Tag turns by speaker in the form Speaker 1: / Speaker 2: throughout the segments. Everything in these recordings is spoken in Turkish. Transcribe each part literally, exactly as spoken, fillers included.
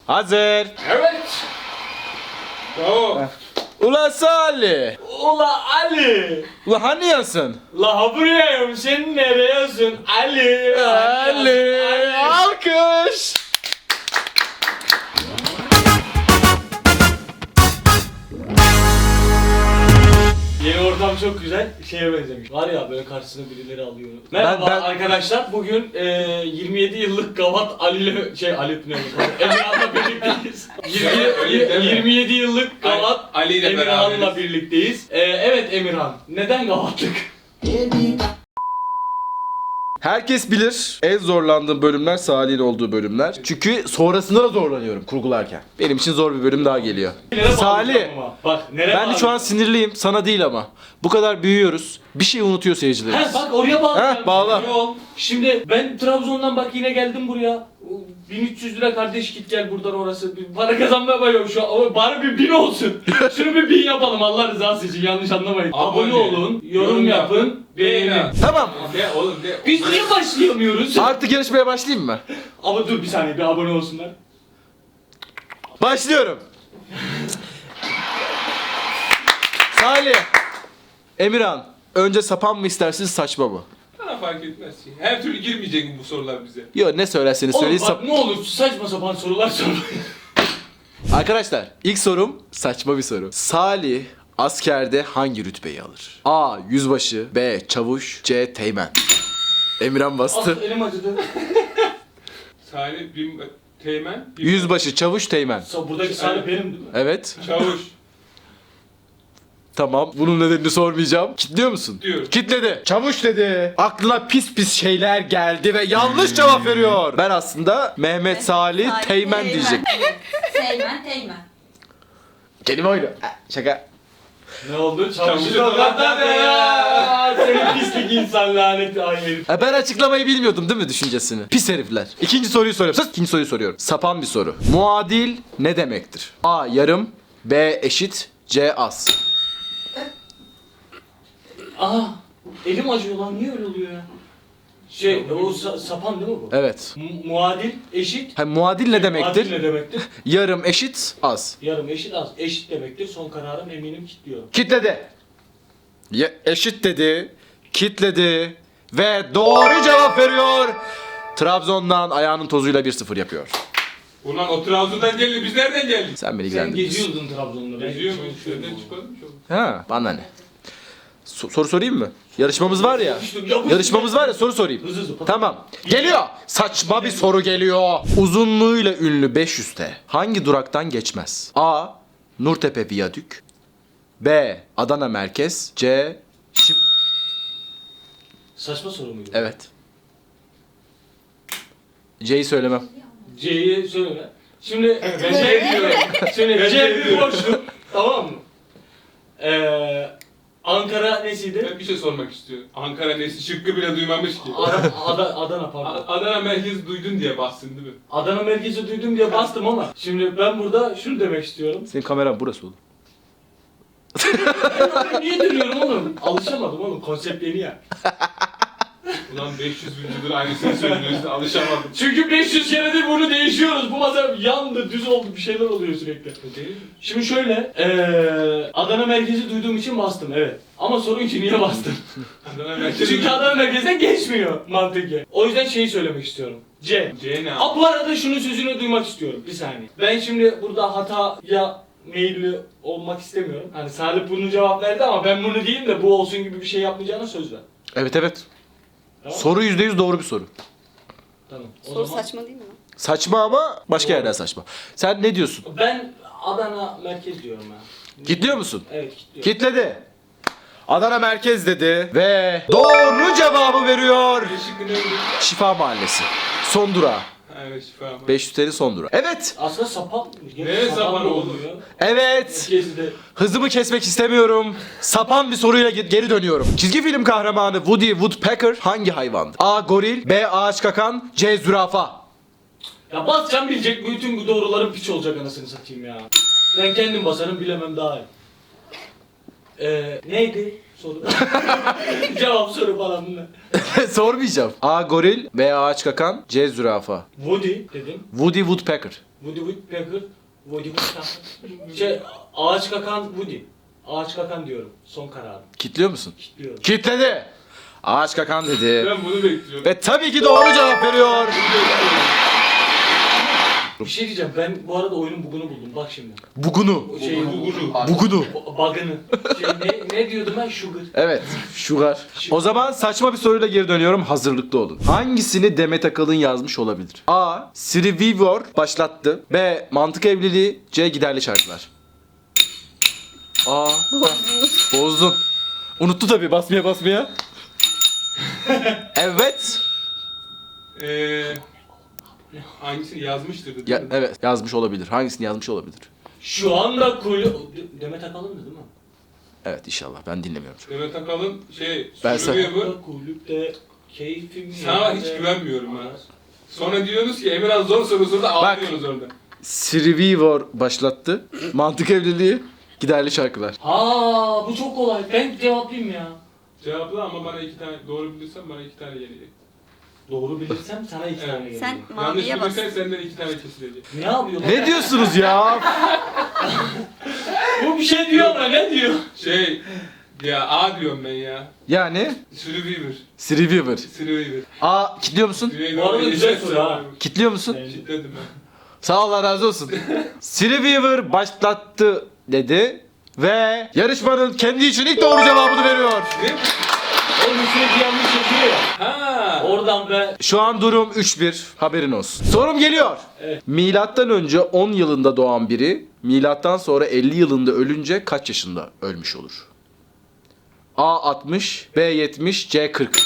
Speaker 1: Hazır.
Speaker 2: Evet. Bravo.
Speaker 1: Ula Salih.
Speaker 2: Ula Ali.
Speaker 1: Ula hani yasın?
Speaker 2: La burayayım, sen nereyesin? Ali.
Speaker 1: Ali. Alkış.
Speaker 2: Yeni ortam çok güzel. Şeye benzemiş. Var ya böyle karşısına birileri alıyor. Merhaba
Speaker 1: ben-
Speaker 2: arkadaşlar. Bugün e, yirmi yedi yıllık Gavat Ali ile şey Ali ne Emirhan'la birlikteyiz.
Speaker 3: Öyle deme.
Speaker 2: yirmi, yirmi yedi yıllık Gavat
Speaker 3: Ali ile
Speaker 2: Emirhan'la
Speaker 3: beraberiz.
Speaker 2: birlikteyiz. E, evet Emirhan. Neden Gavatlık?
Speaker 1: Herkes bilir en zorlandığım bölümler Salih'in olduğu bölümler. Çünkü sonrasında da zorlanıyorum kurgularken. Benim için zor bir bölüm daha geliyor.
Speaker 2: Nereye
Speaker 1: Salih.
Speaker 2: bağlayacağım ama? Bak nereye
Speaker 1: Ben de şu an sinirliyim. Sana değil ama. Bu kadar büyüyoruz. Bir şey unutuyor seyircilerimiz.
Speaker 2: He bak oraya bağlayacağım.
Speaker 1: Heh, bağla.
Speaker 2: Yol. Şimdi ben Trabzon'dan bak yine geldim buraya. bin üç yüz lira kardeş git gel buradan orası. Bir para kazanmaya bayıyorum şu an. Ama bari bir bin olsun. Şunu bir bin yapalım Allah rızası için yanlış anlamayın. Abone,
Speaker 3: Abone
Speaker 2: olun, yorum,
Speaker 3: yorum
Speaker 2: yapın,
Speaker 3: yapın,
Speaker 2: beğenin.
Speaker 3: beğenin.
Speaker 1: Tamam.
Speaker 3: De oğlum de.
Speaker 2: Biz niye başlayamıyoruz?
Speaker 1: Artık yarışmaya başlayayım mı?
Speaker 2: Ama dur bir saniye bir abone olsunlar.
Speaker 1: Başlıyorum. Salih. Emirhan. Önce sapan mı istersiniz saçma mı?
Speaker 3: Bana fark etmez ki. Her türlü girmeyecek bu sorular bize.
Speaker 1: Yo ne söylerseniz
Speaker 2: Oğlum
Speaker 1: söyleyin.
Speaker 2: bak
Speaker 1: Sap-
Speaker 2: ne olur saçma sapan sorular sormayın.
Speaker 1: Arkadaşlar ilk sorum saçma bir soru. Salih askerde hangi rütbeyi alır? A. Yüzbaşı. B. Çavuş. C. Teğmen. Emirhan bastı.
Speaker 2: Ah elim acıdı.
Speaker 3: Salih bin teğmen. bin-
Speaker 1: Yüzbaşı, çavuş, teğmen.
Speaker 2: Sa- Buradaki Salih benim değil mi?
Speaker 1: Evet.
Speaker 3: Çavuş.
Speaker 1: Tamam. Bunun nedenini sormayacağım. Kitliyor musun?
Speaker 3: Diyorum.
Speaker 1: Kitledi. Çavuş dedi. Aklına pis pis şeyler geldi ve yanlış cevap veriyor. Ben aslında Mehmet Salih Teğmen diyecek.
Speaker 4: Teğmen, teğmen.
Speaker 1: Kelime oyunu. Ah, Şaka.
Speaker 2: Ne oldu?
Speaker 3: Çavuşu
Speaker 2: Çavuşu da ya. Senin pislik insan laneti ay herif.
Speaker 1: Ha, ben açıklamayı bilmiyordum değil mi düşüncesini? Pis herifler. İkinci soruyu soruyorum. Sus. İkinci soruyu soruyorum. Sapan bir soru. Muadil ne demektir? A. Yarım. B. Eşit. C. Az.
Speaker 2: Aha. Elim acıyor lan niye öyle oluyor ya? Şey o sa- sapan değil mi bu?
Speaker 1: Evet.
Speaker 2: Mu- muadil, eşit.
Speaker 1: Ha, muadil ne demektir?
Speaker 2: Muadil ne demektir?
Speaker 1: Yarım, eşit, az.
Speaker 2: Yarım eşit az. Eşit demektir. Son kararım eminim kilitliyor.
Speaker 1: Kitledi. Ya, eşit dedi. Kitledi. Ve doğru cevap veriyor. Trabzon'dan ayağının tozuyla bir sıfır yapıyor.
Speaker 3: Ulan o Trabzon'dan geldi. Biz nereden geldik?
Speaker 1: Sen beni
Speaker 2: Sen
Speaker 1: ilgilendirmiyorsun.
Speaker 2: geziyordun Trabzon'da. ben
Speaker 3: Geziyor
Speaker 2: çok
Speaker 3: muyuz?
Speaker 2: şey
Speaker 3: Şuradan
Speaker 2: olmadı.
Speaker 3: çıkalım çok.
Speaker 1: Ha, bana ne? So- soru sorayım mı? Yarışmamız var ya.
Speaker 2: Yapıştır, yapıştır.
Speaker 1: Yarışmamız var ya soru sorayım.
Speaker 2: Hızlı hızlı.
Speaker 1: Tamam. Geliyor. Saçma bir soru geliyor. Uzunluğuyla ünlü beş yüz T hangi duraktan geçmez? A. Nurtepe Viyadük. B. Adana Merkez. C. Şif...
Speaker 2: Saçma soru muydu?
Speaker 1: Evet. C'yi söylemem.
Speaker 2: C'yi söyle. Şimdi ben C diyorum. Şimdi
Speaker 3: Ben
Speaker 2: C
Speaker 3: C
Speaker 2: bir
Speaker 3: diyorum.
Speaker 2: boşluk. Tamam mı? Ee, Ankara nesiydi?
Speaker 3: Ben bir şey sormak istiyorum. Ankara nesi şıkkı bile duymamış ki.
Speaker 2: Adana, Adana, Adana pardon.
Speaker 3: A- Adana merkez duydun diye bastın değil mi?
Speaker 2: Adana merkezi duydum diye bastım ama şimdi ben burada şunu demek istiyorum.
Speaker 1: Senin kameran burası oğlum.
Speaker 2: Ben oraya niye dönüyorum oğlum? Alışamadım oğlum konsept yeni ya.
Speaker 3: Ulan beş yüz bin aynısını söylüyorsun alışamadım.
Speaker 2: Çünkü beş yüz keredir bunu değişiyoruz. Bu masa yandı, düz oldu, bir şeyler oluyor sürekli. Şimdi şöyle, eee Adana merkezi duyduğum için bastım evet. Ama sorun ki niye bastım?
Speaker 3: Adana merkez
Speaker 2: Çünkü Adana merkezinden geçmiyor mantıken. O yüzden şeyi söylemek istiyorum. C.
Speaker 3: C ne?
Speaker 2: Ha bu arada şunun sözünü duymak istiyorum. Bir saniye. Ben şimdi burada hataya meyilli olmak istemiyorum. Hani Salih bunu cevap verdi ama ben bunu diyeyim de bu olsun gibi bir şey yapmayacağına söz ver.
Speaker 1: Evet evet.
Speaker 2: Tamam.
Speaker 1: Soru yüzde yüz doğru bir soru.
Speaker 2: Tamam. O
Speaker 4: Soru
Speaker 2: zaman
Speaker 4: saçma değil mi lan?
Speaker 1: Saçma ama başka
Speaker 2: Doğru.
Speaker 1: yerden saçma. Sen ne diyorsun?
Speaker 2: ben Adana merkez diyorum ya.
Speaker 1: Kitliyor musun?
Speaker 2: Evet kilitliyorum.
Speaker 1: Kitledi. Adana Merkez dedi ve doğru cevabı veriyor.
Speaker 3: Şıkkı neydi?
Speaker 1: Şifa Mahallesi. Son durağı.
Speaker 3: Ha, evet şifa ama.
Speaker 1: beş yüz T L'nin son durağı. Evet.
Speaker 2: Aslında sapan.
Speaker 3: Ne sapan
Speaker 2: da
Speaker 3: oğlum?
Speaker 2: olmuyor.
Speaker 1: Evet.
Speaker 2: Gezide.
Speaker 1: Hızımı kesmek istemiyorum. Sapan bir soruyla ge- geri dönüyorum. Çizgi film kahramanı Woody Woodpecker hangi hayvandı? A. Goril. B. Ağaç kakan. C. Zürafa.
Speaker 2: Ya basacağım bilecek bütün bu doğruların piç olacak anasını satayım ya. Ben kendim basarım bilemem daha iyi. Ee, neydi soru? Cevap soru falan bunlar.
Speaker 1: Sormayacağım. A. Goril. B. Ağaç kakan. C. Zürafa.
Speaker 2: Woody dedim.
Speaker 1: Woody Woodpecker.
Speaker 2: Woody Woodpecker. Woody Woodpecker. Şey, ağaç kakan Woody. Ağaç kakan diyorum. Son kararım.
Speaker 1: Kitliyor musun?
Speaker 2: Diyorum.
Speaker 1: Kitledi. Ağaç kakan dedi.
Speaker 3: Ben bunu bekliyordum.
Speaker 1: Ve tabii ki doğru cevap veriyor.
Speaker 2: Bir şey diyeceğim. Ben bu arada oyunun bugunu buldum. Bak şimdi.
Speaker 1: Bugunu.
Speaker 2: O Şey,
Speaker 3: Bugunu.
Speaker 1: Bugunu.
Speaker 2: bug'ını. Şey, ne, ne diyordum ben? Sugar.
Speaker 1: Evet, sugar. O zaman saçma bir soruyla geri dönüyorum. Hazırlıklı olun. Hangisini Demet Akalın yazmış olabilir? A. Siri Weaver başlattı. B. Mantık evliliği. C. Giderli şarkılar. A. Bozdun. Unuttu tabii basmaya basmaya. Evet.
Speaker 3: Eee... Hangisini yazmıştır değil
Speaker 1: Ya,
Speaker 3: mi?
Speaker 1: evet yazmış olabilir. Hangisini yazmış olabilir?
Speaker 2: Şu anda kul... De- Demet Akalın'dı değil mi?
Speaker 1: Evet inşallah ben dinlemiyorum.
Speaker 3: Demet Akalın şey...
Speaker 1: Ben
Speaker 3: Survivor.
Speaker 2: Şu anda kulüpte keyfim...
Speaker 3: Sana
Speaker 2: yerinde.
Speaker 3: hiç güvenmiyorum ha. Sonra diyorsunuz ki Emirhan zor soru sordu ağlıyorsunuz orada.
Speaker 1: Siri Weaver başlattı. Mantık evliliği. Giderli şarkılar.
Speaker 2: Ha, bu çok kolay. Ben cevaplayayım ya.
Speaker 3: Cevapla ama bana iki tane doğru bilirsen bana iki tane gelecek.
Speaker 2: Doğru bilirsem sana iki tane gelecek.
Speaker 4: Sen
Speaker 3: Yanlış
Speaker 4: maviye bas.
Speaker 3: bilirsen senden iki tane kesilecek.
Speaker 2: Ne yapıyor?
Speaker 1: Ne diyorsunuz ya?
Speaker 2: Bu bir şey diyor ama ne diyor?
Speaker 3: Şey... Ya A diyorum ben ya.
Speaker 1: Yani
Speaker 3: Survivor.
Speaker 1: Siri Weaver.
Speaker 3: Survivor.
Speaker 1: A kitliyor musun?
Speaker 2: Bu arada güzel soru ha.
Speaker 1: Kitliyor musun?
Speaker 3: Kitledim ben.
Speaker 1: Sağ ol, Allah razı olsun. Siri Weaver başlattı dedi ve yarışmanın kendi için ilk doğru cevabını veriyor.
Speaker 3: Ne?
Speaker 2: Oğlum sürekli yanlış yapıyor ya.
Speaker 3: Ha.
Speaker 2: Oradan be.
Speaker 1: Şu an durum üç bir. Haberin olsun. Sorum geliyor.
Speaker 2: Evet.
Speaker 1: Milattan önce on yılında doğan biri milattan sonra elli yılında ölünce kaç yaşında ölmüş olur? A altmış, B yetmiş, C kırk.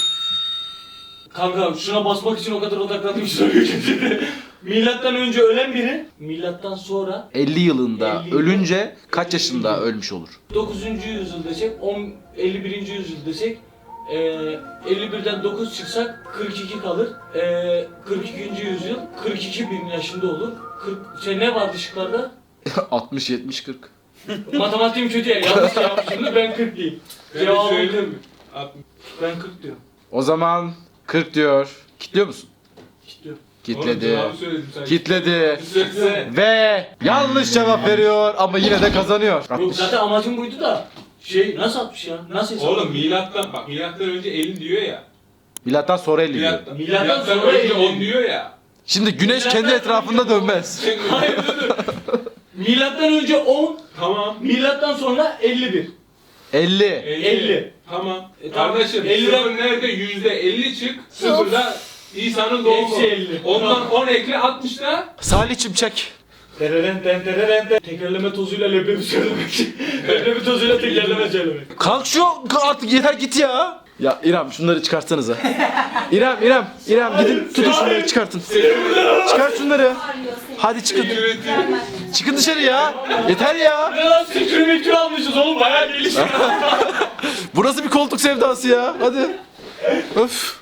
Speaker 2: Kanka şuna basmak için o kadar odaklandım ki soruyor ki. Milattan önce ölen biri, milattan sonra
Speaker 1: elli yılında
Speaker 2: elli yıl-
Speaker 1: ölünce kaç yaşında ölmüş olur?
Speaker 2: dokuzuncu yüzyıl desek, on, elli birinci yüzyıl desek, e, elli birden dokuz çıksak kırk iki kalır. E, kırk ikinci yüzyıl kırk iki bin yaşında olur. kırk, şey ne vardı şıklarda?
Speaker 1: altmış, yetmiş, kırk.
Speaker 2: Matematiğim kötü ya, yanlış yapmışım da ben kırk diyeyim.
Speaker 3: Ben de
Speaker 2: Cevabım
Speaker 3: söyleyeyim
Speaker 2: kırk.
Speaker 3: mi? altmış.
Speaker 2: Ben kırk diyorum.
Speaker 1: O zaman kırk diyor. Kitliyor musun?
Speaker 2: İstiyorum.
Speaker 3: Oğlum
Speaker 1: Kitledi.
Speaker 3: cevabı söyledim sen.
Speaker 1: Kitledi.
Speaker 3: Söylesene.
Speaker 1: Ve yanlış cevap veriyor ama yine de kazanıyor.
Speaker 2: Yok
Speaker 1: altmış.
Speaker 2: zaten amacım buydu da. Şey nasıl atmış ya? Nasıl hesap?
Speaker 3: Oğlum milattan bak milattan önce elli diyor ya.
Speaker 1: Milattan sonra elli diyor.
Speaker 3: Milattan,
Speaker 2: Milattan
Speaker 3: milattan
Speaker 2: sonra
Speaker 3: önce
Speaker 2: elli.
Speaker 3: on diyor ya.
Speaker 1: Şimdi güneş kendi
Speaker 2: Milattan
Speaker 1: etrafında
Speaker 2: önce on.
Speaker 1: dönmez.
Speaker 2: Hayır dur dur. Milattan önce on,
Speaker 3: Tamam.
Speaker 2: milattan sonra elli bir.
Speaker 1: elli.
Speaker 2: elli.
Speaker 3: Tamam.
Speaker 2: E, tamam.
Speaker 3: Kardeşim
Speaker 2: elliden
Speaker 3: sıfır nerede? Yüzde elli çık. Sıfırda İsa'nın doğumu.
Speaker 2: Eksi elli.
Speaker 3: Ondan on ekle altmışta.
Speaker 1: Salih'cim çek.
Speaker 2: Tereren ten tereren ten. Tekerleme tozuyla leblebi söylemek. Leblebi tozuyla tekerleme söylemek.
Speaker 1: Kalk şu artık yeter git ya. Ya İrem şunları çıkartsanıza. İrem İrem İrem gidin tutun şunları çıkartın. Çıkar şunları.
Speaker 4: Arıyor seni.
Speaker 1: Hadi çıkın.
Speaker 4: Gelmez.
Speaker 1: Çıkın dışarı ya. Yeter ya.
Speaker 2: Ne lan sikri mikri almışız oğlum bayağı gelişmiş.
Speaker 1: Burası bir koltuk sevdası ya. Hadi. Öf.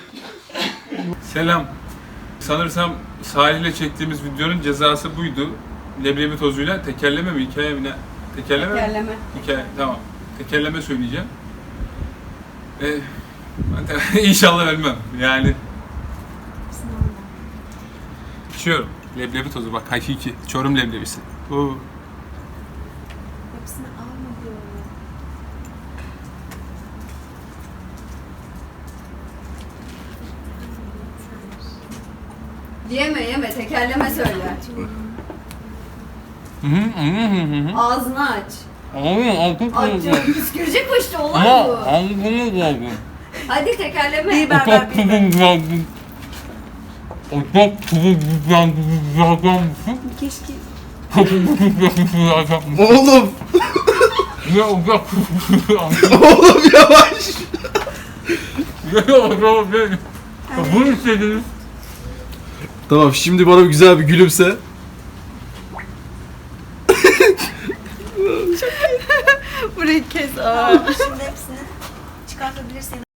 Speaker 3: Selam. Sanırsam Salih'le çektiğimiz videonun cezası buydu. Leblebi tozuyla tekerleme mi hikaye mi ne? Tekerleme mi?
Speaker 4: Tekerleme.
Speaker 3: Hikaye, tamam. Tekerleme söyleyeceğim. Ee, ben de inşallah ölmem. Yani içiyorum. Leblebi tozu bak hakiki. Çorum leblebisi. Oo.
Speaker 4: Hepsini alma diyorum. Yeme yeme tekerleme söyle.
Speaker 3: Hı hı hı hı hı.
Speaker 4: Ağzını aç.
Speaker 3: Abi
Speaker 4: Aç canım püskürecek bu işte olay bu.
Speaker 3: bunu geldi.
Speaker 4: Hadi tekerleme. Bir berber bir berber. Keşke.
Speaker 1: Oğlum.
Speaker 3: Ne olacak?
Speaker 1: Oğlum yavaş.
Speaker 3: Ne olacak? Bunu istediniz.
Speaker 1: Tamam şimdi bana güzel bir gülümse.
Speaker 4: Burayı kes. Aa. Şimdi hepsini çıkartabilirsin.